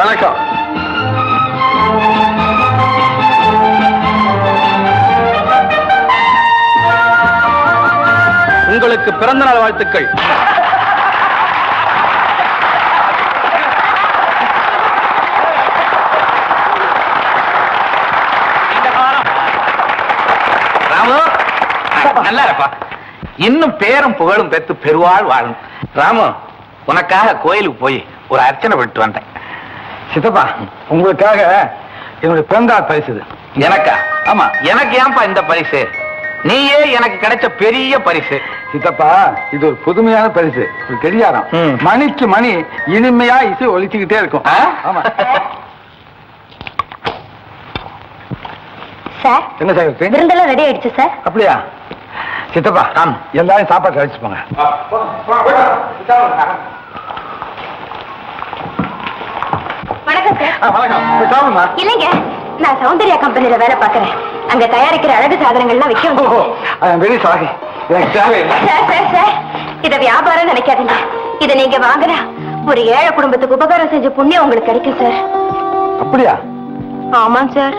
வணக்கம். உங்களுக்கு பிறந்த நாள் வாழ்த்துக்கள். ராமு, நல்லா இருப்பா. இன்னும் பேரும் புகழும் பெற்று பெருவாள் வாழும். ராமு, உனக்காக கோயிலுக்கு போய் ஒரு அர்ச்சனை பண்ணிட்டு வந்தேன். சித்தப்பா, உங்களுக்காக என்னுடைய பிறந்தாள் பரிசு. எனக்கா? ஆமா. எனக்கு ஏன்பா இந்த பரிசு? நீயே எனக்கு கிடைச்ச பெரிய பரிசு. சித்தப்பா, இது ஒரு புதுமையான பரிசு. ஒரு கடிகாரம், மணிக்கு மணி இனிமையா இசை ஒலிச்சுக்கிட்டே இருக்கும். ஆமா சார். என்ன சார் விருந்தெல்லாம் ரெடி ஆயிடுச்சு சார். அப்படியா? சித்தப்பா, எல்லாரும் சாப்பாடு கழிச்சு போங்க. வணக்கம் சார். வணக்கம். இல்லைங்க, நான் சௌந்தர்யா கம்பெனில வேலை பார்க்கறேன். அங்க தயாரிக்கிற அழகு சாதனங்கள்லாம் விற்கும். சாரி, எனக்கு தேவையில்லை. சார், இத வியாபாரம் நினைக்காதீங்க. இத நீங்க வாங்குற ஒரு ஏழை குடும்பத்துக்கு உபகாரம் செஞ்ச புண்ணியம் உங்களுக்கு கிடைக்கும் சார். அப்படியா? ஆமாம் சார்.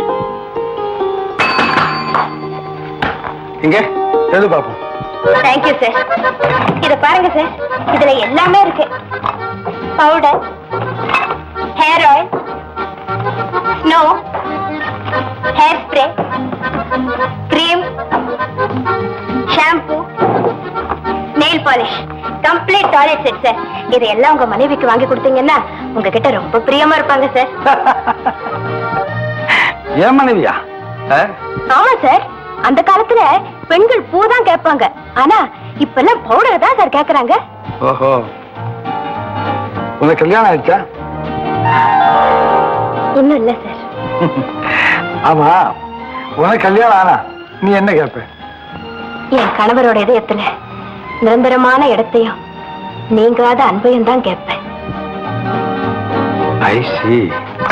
இங்க எது பாப்போம். Thank you sir. இத பாருங்க சார், இதுல எல்லாமே இருக்கு. Powder, hair oil, snow, hair spray, cream, shampoo, nail polish, complete toilet set sir. இதெல்லாம் உங்க மனைவிக்கு வாங்கி கொடுத்தீங்கன்னா உங்ககிட்ட ரொம்ப பிரியமா இருப்பாங்க சார். ஏன் மனைவியா? ஆமா சார். அந்த காலத்துல பெண்கள் பூ தான் கேட்பாங்க. ஆனா இப்ப எல்லாம் பவுடர் தான் சார் கேக்குறாங்க. ஓஹோ, உனக்கு கல்யாணம் ஆயிடுச்சா? இன்னும் இல்ல சார். ஆமா, உனக்கு கல்யாணம் ஆனா நீ என்ன கேட்ப? என் கணவரோட இதயத்துல நிரந்தரமான இடத்தையும் நீங்காத அன்பையும் தான் கேட்பேன். I see.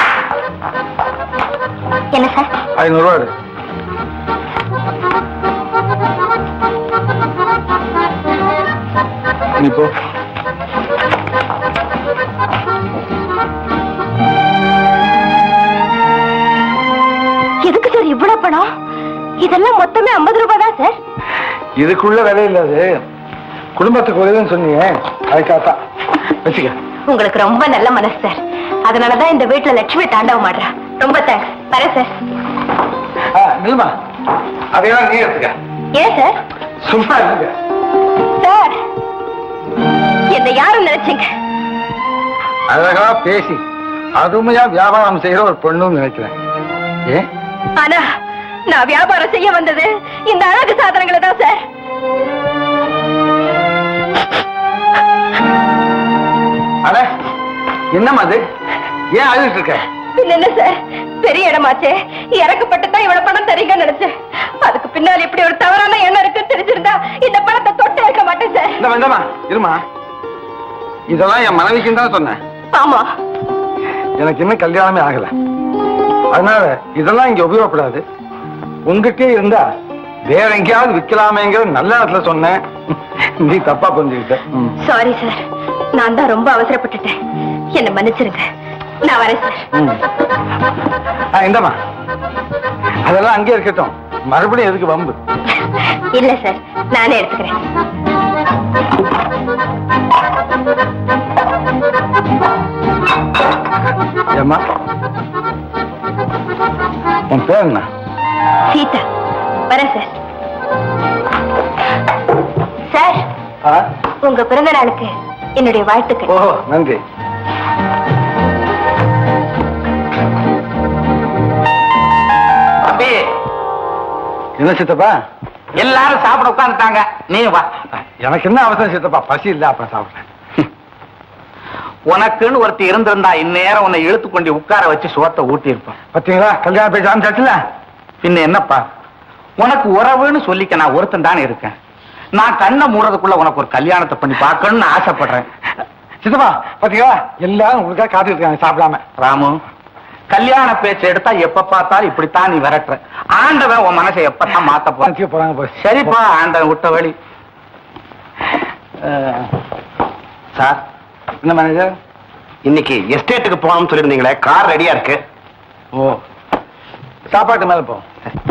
என்ன சார்? 500 ரூபாய். நீ போ. எதுக்கு சார் இவ்வளவு பணம்? இதெல்லாம் மொத்தமே 50 ரூபாய் தான் சார். இதுக்குள்ள விலை இல்லாது குடும்பத்துக்கு உதவின்னு சொன்னீங்க, அதுக்காக வச்சுக்க. உங்களுக்கு ரொம்ப நல்ல மனசு சார். அதனாலதான் இந்த வீட்டுல லட்சுமி தாண்டவம் ஆடுறா. ரொம்ப தேங்க்ஸ். வரேன் சார். நில்மா, அதையெல்லாம் நீ எடுத்துக்க. ஏன் சார்? சும்மா இருங்க சார். என்ன யாரும் நினைச்சீங்க? அழகா பேசி அருமையா வியாபாரம் செய்யற ஒரு பொண்ணுன்னு நினைக்கிறேன். ஏன்? ஆனா நான் வியாபாரம் செய்ய வந்தது இந்த அழகு சாதனங்களை தான் சார். அட, என்னம்மா அது? ஏன் அழுதுட்டு இருக்க? என்ன சார், பெரிய இடமாச்சே, இறக்கப்பட்டுதான் இவ்வளவு பணம் தரீங்கன்னு நினைச்சேன். அதுக்கு பின்னால் இப்படி ஒரு தவறான எண்ணம் இருக்குன்னு தெரிஞ்சிருந்தா இந்த பணத்தை தொட்டு இருக்க மாட்டேன் சார். இந்த வேண்டாமா, இருமா. இதெல்லாம் என் மனைவிக்குன்னு தான் சொன்னேன். ஆமா, எனக்கு இன்னும் கல்யாணமே ஆகல. அதனால இதெல்லாம் இங்க உபயோகப்படாது. உங்ககிட்டே இருந்தா வேற எங்கேயாவது விற்கலாமேங்கிற நல்ல இடத்துல சொன்னேன். நீ தப்பா புரிஞ்சுக்கிட்ட. சாரி சார், நான் தான் ரொம்ப அவசரப்பட்டுட்டேன். என்ன மன்னிச்சிருங்க. நான் வரேன் சார். இந்தமா, அதெல்லாம் அங்கே இருக்கட்டும். மறுபடியும் எதுக்கு வம்பு? இல்ல சார், நானே எடுத்துக்கிறேன். ஏம்மா, உன் பேர் என்ன? சீதா. வரேன் சார். சார், உங்க பிறந்த நாளுக்கு என்னுடைய வாழ்த்துக்கள். ஓஹோ, நன்றி. என்ன சித்தப்பா, எல்லாரும் சாப்பிட உட்காந்துட்டாங்க, நீ வா. எனக்கு என்ன அவசரம் சித்தப்பா? பசி இல்ல, அப்புறம் சாப்பிடுறேன். உனக்குன்னு ஒருத்தி இருந்திருந்தா இந்நேரம் உன்னை இழுத்து கொண்டு உட்கார வச்சு சோத்தை ஊட்டி இருப்பான். பாத்தீங்களா, கல்யாணம் பேச ஆரம்பிச்சாச்சுல. பின்ன என்னப்பா, உனக்கு உறவுன்னு சொல்லிக்க நான் ஒருத்தன் தானே இருக்கேன். நான் கண்ணை மூடுறதுக்குள்ள உனக்கு ஒரு கல்யாணத்தை பண்ணி பார்க்கணும்னு ஆசைப்படுறேன். சித்தப்பா, பாத்தீங்களா, எல்லாரும் உங்களுக்காக காத்துட்டு இருக்காங்க சாப்பிடாம. ராமு, கல்யாண பேச்சு எடுத்தா எப்ப பார்த்தாலும் இப்படித்தான் நீ விரட்டுற. ஆண்டவன் உன் மனசை எப்பதான் மாத்த போறாங்க. சரிப்பா, ஆண்டவன் விட்ட வழி. சார், என்ன மேனேஜர், இன்னைக்கு எஸ்டேட்டுக்கு போகணும்னு சொல்லியிருந்தீங்களே, கார் ரெடியா இருக்கு. ஓ, சாப்பாட்டு மேல போ.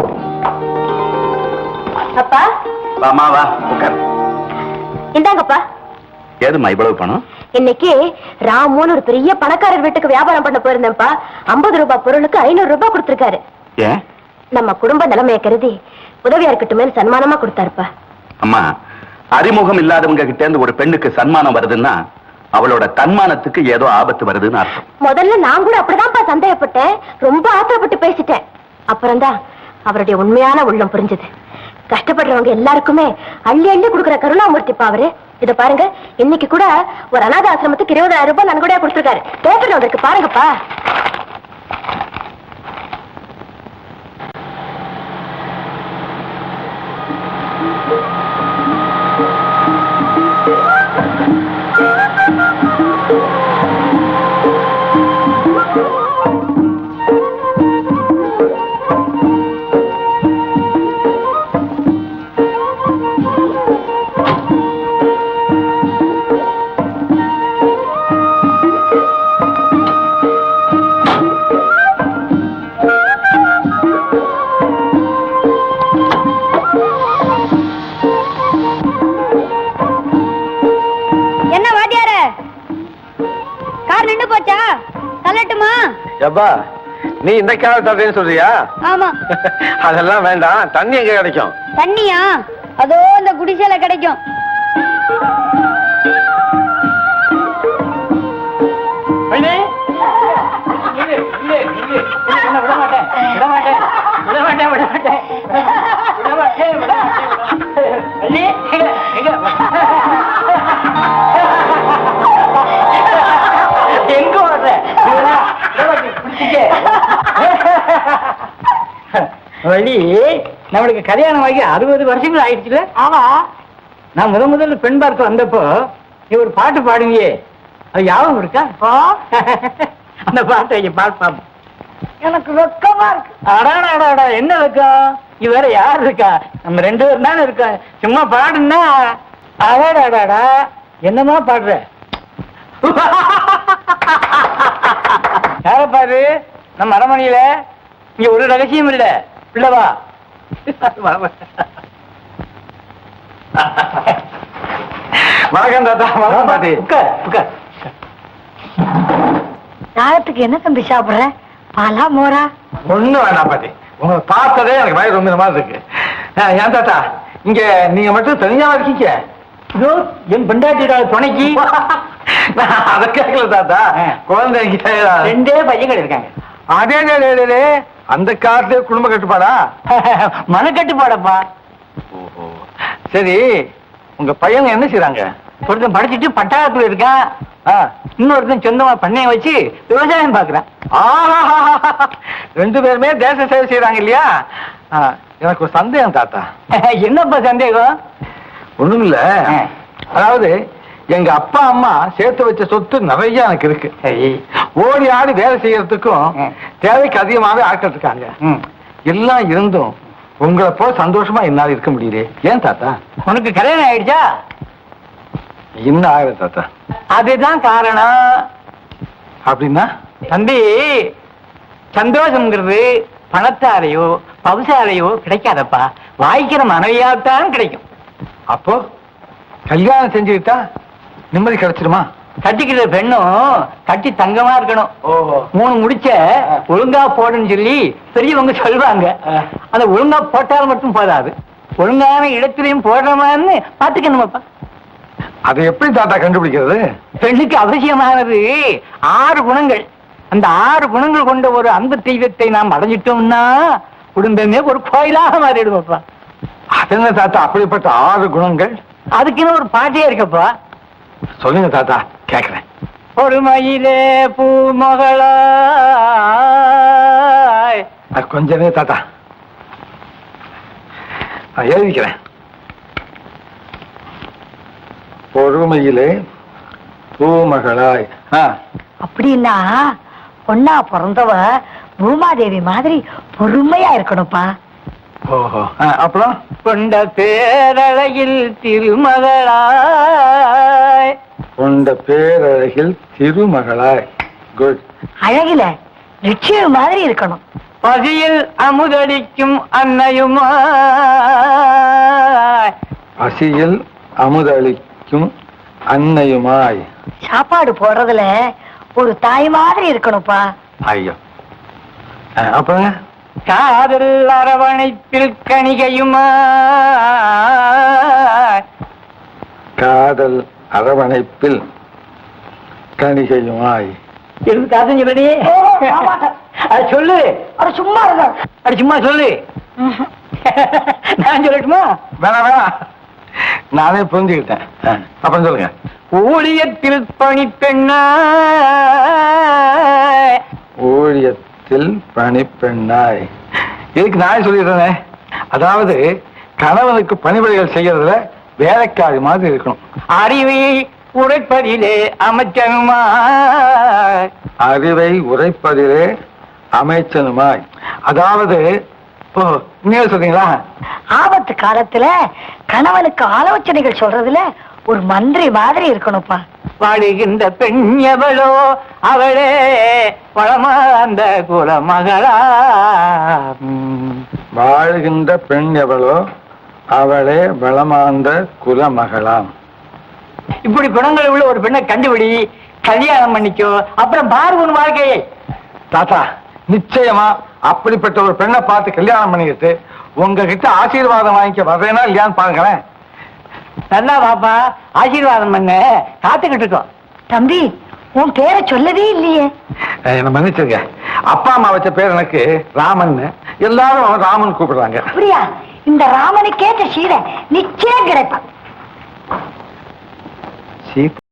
அப்பா வாமா வா உட்கார். இந்தாங்கப்பா. ஏதுமா இவ்வளவு பணம்? இன்னைக்கு ராமுன்னு ஒரு பெரிய பணக்காரர் வீட்டுக்கு வியாபாரம் பண்ண போயிருந்தேன்ப்பா. 50 ரூபாய் பொருளுக்கு 500 ரூபாய் கொடுத்திருக்காரு. ஏன்? நம்ம குடும்ப நிலைமையை கருதி உதவியா இருக்கட்டுமே சன்மானமா கொடுத்தாருப்பா. அம்மா, அறிமுகம் இல்லாதவங்க கிட்ட இருந்து ஒரு பெண்ணுக்கு சன்மானம் வருதுன்னா அவளோட தன்மானத்துக்கு ஏதோ ஆபத்து வருதுன்னு அர்த்தம். முதல்ல நான் கூட அப்படிதான்ப்பா சந்தேகப்பட்டேன். ரொம்ப ஆத்திரப்பட்டு பேசிட்டேன். அப்புறம்தான் அவருடைய உண்மையான உள்ளம் புரிஞ்சது. கஷ்டப்படுறவங்க எல்லாருக்குமே அள்ளி அள்ளி கொடுக்குற கருணாமூர்த்திப்பா அவரு. இத பாருங்க, இன்னைக்கு கூட ஒரு அநாத ஆசிரமத்துக்கு 20,000 ரூபாய் நன்கொடையா கொடுத்திருக்காரு. பேப்பர்ல வந்திருக்கு பாருங்கப்பா. எப்பா, நீ இந்த கேரட் தரேன்னு சொல்றியா? ஆமா. அதெல்லாம் வேண்டாம். தண்ணி எங்க கிடைக்கும்? தண்ணியா? அதோ இந்த குடிசையில கிடைக்கும். எங்க வர்ற வழி? நம்மளுக்கு கல்யாணம் ஆகி 60 வருஷங்கள் ஆயிடுச்சுல. ஆமா. நான் முதல்ல பெண் பார்க்க வந்தப்போ நீ ஒரு பாட்டு பாடுவியே, அது ஞாபகம் இருக்கா? அந்த பாட்டை பாட்டு எனக்கு வெக்கமா இருக்கு. அடாடா, என்ன வெக்கம்? இது வேற யார் இருக்கா? நம்ம 2 பேரும் தானே இருக்கோம். சும்மா பாடுன்னா அடாடாடா என்னமா பாடுற? யார பாரு? நம்ம அரமணியில இங்க ஒரு ரகசியம் இல்ல. பிள்ளவா வணக்கம் தாத்தா. வணக்கம் பாட்டி. உட்கார். சாதத்துக்கு என்ன தம்பி சாப்பிடுற? பாலா மோரா? ஒண்ணு வேண்டாம் பாட்டி. உங்களை பார்த்ததே எனக்கு வயிறு ரொம்ப மாதிரி இருக்கு. ஏன் தாத்தா, இங்க நீங்க மட்டும் தனியா இருக்கீங்க? என் பெண்டாட்டியோட துணைக்கு அத கேட்கல தாத்தா. குழந்தைங்க 2 பையன்கள் இருக்காங்க. அதே அந்த காலத்துல குடும்ப கட்டுப்பாடா? மனக்கட்டுப்பாடப்பா. சரி, உங்க பையன் என்ன செய்றாங்க? ஒருத்தன் படிச்சுட்டு பட்டாளத்துல இருக்கான். இன்னொருத்தன் சொந்தமா பண்ணைய வச்சு விவசாயம் பாக்குறான். 2 பேருமே தேச சேவை செய்யறாங்க இல்லையா? எனக்கு ஒரு சந்தேகம் தாத்தா. என்னப்பா சந்தேகம்? ஒண்ணும் இல்ல. அதாவது எங்க அப்பா அம்மா சேர்த்து வச்ச சொத்து நிறைய எனக்கு இருக்கு. ஓடி ஆடி வேலை செய்யறதுக்கும் தேவைக்கு அதிகமாவே ஆட்கள் இருக்காங்க. எல்லாம் இருந்தும் உங்களை போல சந்தோஷமா என்னால இருக்க முடியல. ஏன் தாத்தா? உனக்கு கல்யாணம் ஆயிடுச்சா? இன்னும் ஆகல தாத்தா. அதுதான் காரணம். அப்படின்னா தம்பி, சந்தோஷம்ங்கிறது பணத்தாலேயோ பவுசாலையோ கிடைக்காதப்பா. வாய்க்கிற மனைவியாத்தான் கிடைக்கும். அப்போ கல்யாணம் செஞ்சுக்கிட்டா நிம்மதி கிடைச்சிருமா? கட்டிக்கிற பெண்ணும் கட்டி தங்கமா இருக்கணும். 3 முடிச்ச ஒழுங்கா போடுன்னு சொல்லி பெரியவங்க சொல்லுவாங்க. அந்த ஒழுங்கா போட்டால் மட்டும் போதாது, ஒழுங்கான இடத்திலையும் போடுறமான்னு பாத்துக்கணுமாப்பா. அதை எப்படி தாத்தா கண்டுபிடிக்கிறது? பெண்ணுக்கு அவசியமானது 6 குணங்கள். அந்த 6 குணங்கள் கொண்ட ஒரு அன்பு தெய்வத்தை நாம் அடைஞ்சிட்டோம்னா குடும்பமே ஒரு கோயிலாக மாறிடுவோப்பா. அது என்ன தாத்தா அப்படிப்பட்ட 6 குணங்கள்? அதுக்குன்னு ஒரு பாட்டே இருக்கப்பா. சொல்லுங்க தாத்தா, கேக்குறேன். ஒரு மயிலே பூமகளா. கொஞ்சமே தாத்தா, நான் எழுதிக்கிறேன். பொறுமையிலே பூமகளாய். அப்படின்னா பொண்ணா பிறந்தவ பூமாதேவி மாதிரி பொறுமையா இருக்கணும்ப்பா. ஓஹோ. அப்புறம் கொண்ட பேரழகில் திருமகளாய். கொண்ட பேரழகில் திருமகளாய். குட். அழகில லட்சுமி மாதிரி இருக்கணும். பசியில் அமுதடிக்கும் அன்னையுமா. பசியில் அமுதளிக்கும் அன்னையுமாய். சாப்பாடு போடுறதுல ஒரு தாய் மாதிரி இருக்கணும்ப்பா. ஐயோ. அப்புறம் காதல் அரவணைப்பில் கணிகையுமா. காதல் அரவணைப்பில் கணிகையுமாய். இருந்து காசம் சொல்லடி. அது சொல்லு. அது சும்மா இருக்க. அது சும்மா சொல்லு. நான் சொல்லட்டுமா? வேணாம் வேணாம், நானே புரிஞ்சுக்கிட்டேன். அப்புறம் சொல்லுங்க. ஊழியத்தில் பணிப்பெண்ணா. ஊழியத்தில் பணிப்பெண்ணாய். இதுக்கு நான் சொல்லிடுறேன். அதாவது கணவனுக்கு பணிவிடைகள் செய்யறதுல வேலைக்காரி மாதிரி இருக்கணும். அறிவை உரைப்பதிலே அமைச்சனுமா. அறிவை உரைப்பதிலே அமைச்சனுமாய். அதாவது நீங்க சொல்றீங்களா? ஆபத்து காலத்துல கணவனுக்கு ஆலோசனைகள் சொல்றதுல ஒரு மந்திரி மாதிரி இருக்கணும்ப்பா. வாழுகின்ற பெண் எவளோ அவளே பழமா அந்த குலமகளா. வாழ்கின்ற பெண் எவளோ அவளே வளமாந்த குலமகளாம். இப்படி குணங்கள் உள்ள ஒரு பெண்ணை கண்டுபிடி, கல்யாணம் பண்ணிக்கோ, அப்புறம் பார்வன் வாழ்க்கையை. தாத்தா, நிச்சயமா அப்படிப்பட்ட ஒரு பெண்ணை பார்த்து கல்யாணம் பண்ணிக்கிட்டு உங்ககிட்ட ஆசீர்வாதம் வாங்கிக்க வர்றேனா இல்லையான்னு பாருங்களேன். நல்லா பாப்பா, ஆசீர்வாதம் பண்ண காத்துக்கிட்டு இருக்கோம். தம்பி, உன் பேரை சொல்லவே இல்லையே. என்ன மன்னிச்சிருங்க. அப்பா அம்மா வச்ச பேர் எனக்கு ராமன். எல்லாரும் அவன் ராமன் கூப்பிடுறாங்க. அப்படியா? இந்த ராமனுக்கேற்ற சீதை நிச்சயம் கிடைப்பான். சீதா.